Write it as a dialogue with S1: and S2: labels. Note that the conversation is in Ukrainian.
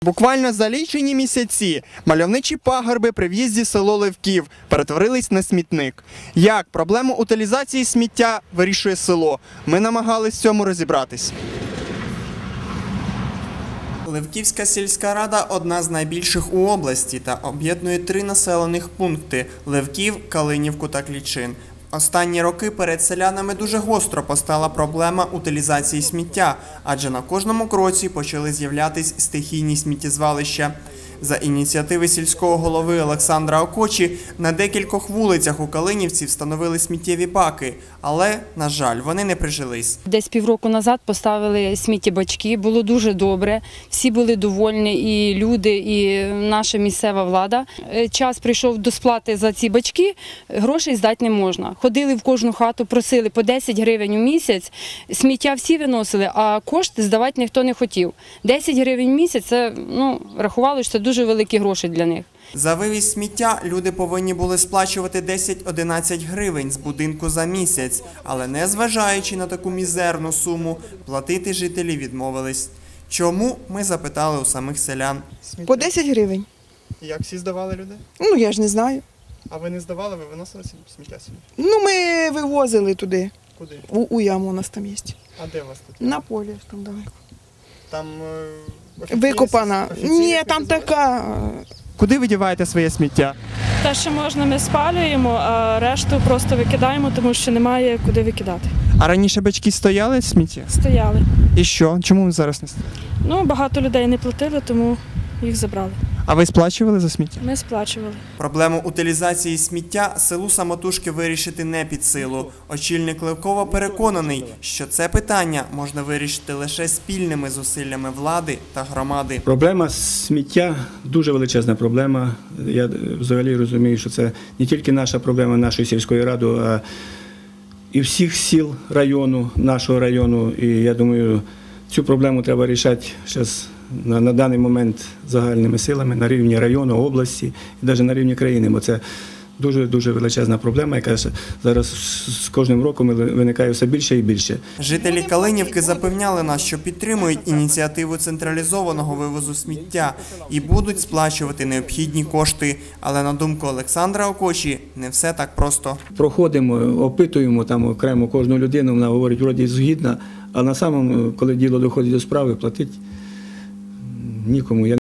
S1: Буквально за лічені місяці мальовничі пагорби при в'їзді в село Левків перетворились на смітник. Як проблему утилізації сміття вирішує село? Ми намагались в цьому розібратись. Левківська сільська рада – одна з найбільших у області та об'єднує 3 населених пункти – Левків, Калинівку та Клічин. Останні роки перед селянами дуже гостро постала проблема утилізації сміття, адже на кожному кроці почали з'являтись стихійні сміттєзвалища. За ініціативи сільського голови Олександра Окочі на декількох вулицях у Калинівці встановили сміттєві баки, але, на жаль, вони не прижились.
S2: Десь півроку назад поставили сміттєбачки, було дуже добре, всі були довольні, і люди, і наша місцева влада. Час прийшов до сплати за ці бачки, грошей здати не можна. Ходили в кожну хату, просили по 10 гривень у місяць, сміття всі виносили, а кошти здавати ніхто не хотів. 10 гривень в місяць – це, рахували, що це дуже великі гроші для них.
S1: За вивіз сміття люди повинні були сплачувати 10-11 гривень з будинку за місяць, але незважаючи на таку мізерну суму, платити жителі відмовились. Чому, ми запитали у самих селян.
S3: По 10 гривень.
S1: Як всі здавали люди?
S3: Я ж не знаю.
S1: А ви не здавали, ви виносили сміття собі?
S3: Ми вивозили туди.
S1: Куди?
S3: У яму у нас там є.
S1: А де у вас тут?
S3: На полі там далеко.
S1: Там
S3: Викопана. Ні, там така.
S1: Куди ви діваєте своє сміття?
S4: Те, що можна, ми спалюємо, а решту просто викидаємо, тому що немає куди викидати.
S1: А раніше бачки стояли сміття?
S4: Стояли.
S1: І що? Чому зараз не стоять?
S4: Багато людей не платили, тому їх забрали.
S1: А ви сплачували за сміття?
S4: Ми сплачували.
S1: Проблему утилізації сміття селу самотужки вирішити не під силу. Очільник Левкова переконаний, що це питання можна вирішити лише спільними зусиллями влади та громади.
S5: Проблема сміття – дуже величезна проблема. Я взагалі розумію, що це не тільки наша проблема нашої сільської ради, а і всіх сіл району, нашого району. І я думаю, цю проблему треба вирішати зараз на даний момент загальними силами на рівні району, області і навіть на рівні країни, бо це дуже величезна проблема, яка зараз з кожним роком виникає все більше і більше.
S1: Жителі Калинівки запевняли нас, що підтримують ініціативу централізованого вивозу сміття і будуть сплачувати необхідні кошти. Але, на думку Олександра Окочі, не все так просто.
S5: Проходимо, опитуємо там окремо кожну людину, вона говорить, вроді згідна, а на самому, коли діло доходить до справи, платить нікому.